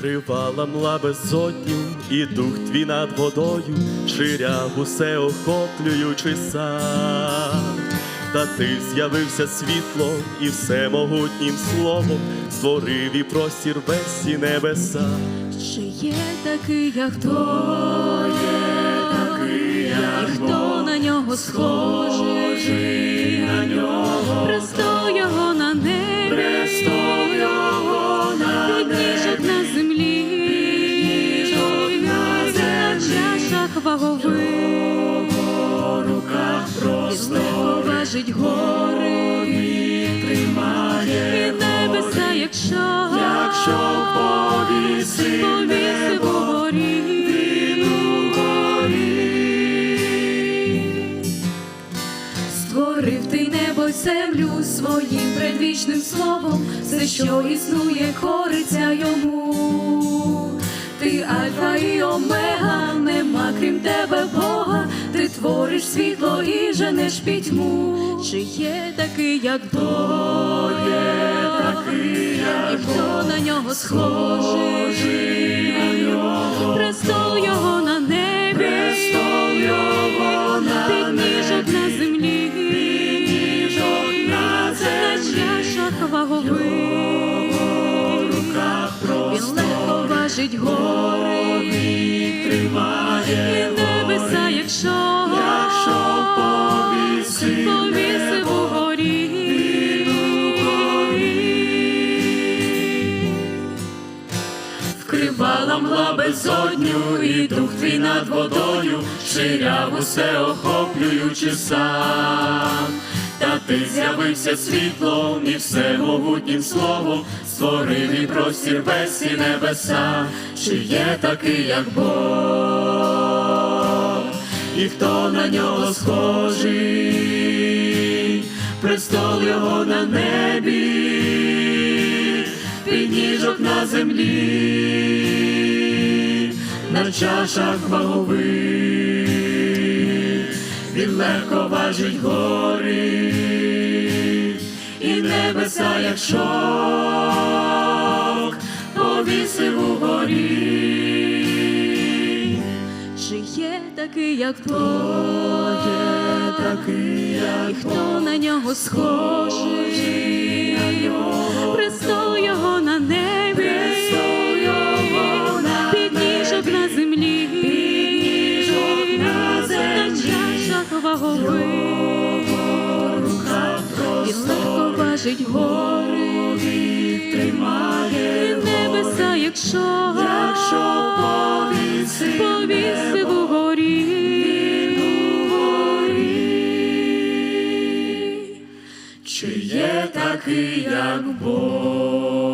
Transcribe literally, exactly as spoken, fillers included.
Вкривала мла безодню, і дух твій над водою ширяв усе охоплюючи сам. Та ти з'явився світлом і всемогутнім словом створив і простір весь і небеса. Чи є такий, як хто є такий, як і хто на нього схожий, на нього престол його на небі, престол його на підніжок на землі, підніжок на чашах вагових, руках просто важить гори, тримає і небеса, якщо, якщо повісив, повісив угорі, він угорі. Створив ти небо й землю своїм предвічним словом, все, що існує, кориться йому. Ти альфа і омега, нема крім тебе Бога, ти твориш світло і женеш пітьму. Чи є такий, як Бог, є такий, як і хто на нього схожий, на нього престол його на небі, престол його на підніжок на землі, підніжок на землі, на чашах вагових, він легко важить гори, тримає і небеса, якщо, якщо повісив, повісив угорі, угорі. Вкривала мла безодню, і дух твій над водою ширяв усе охоплюючи сам. Та ти з'явився світлом і всемогутнім словом створив і простір весь і небеса. Чи є такий, як Бог, і хто на нього схожий, престол його на небі, підніжок на землі, на чашах вагових, він легко важить гори і небеса, як шовк, повісив угорі. Чи є такий, як Бог, є такий, як і хто на нього схожий, на нього престол його на небі, престол його на підніжок на землі, підніжок на землі, на чашах вагових, він легко важить гори, тримає і небеса, якщо, якщо повісив, повісив угорі, угорі. Чи є такий, як Бог?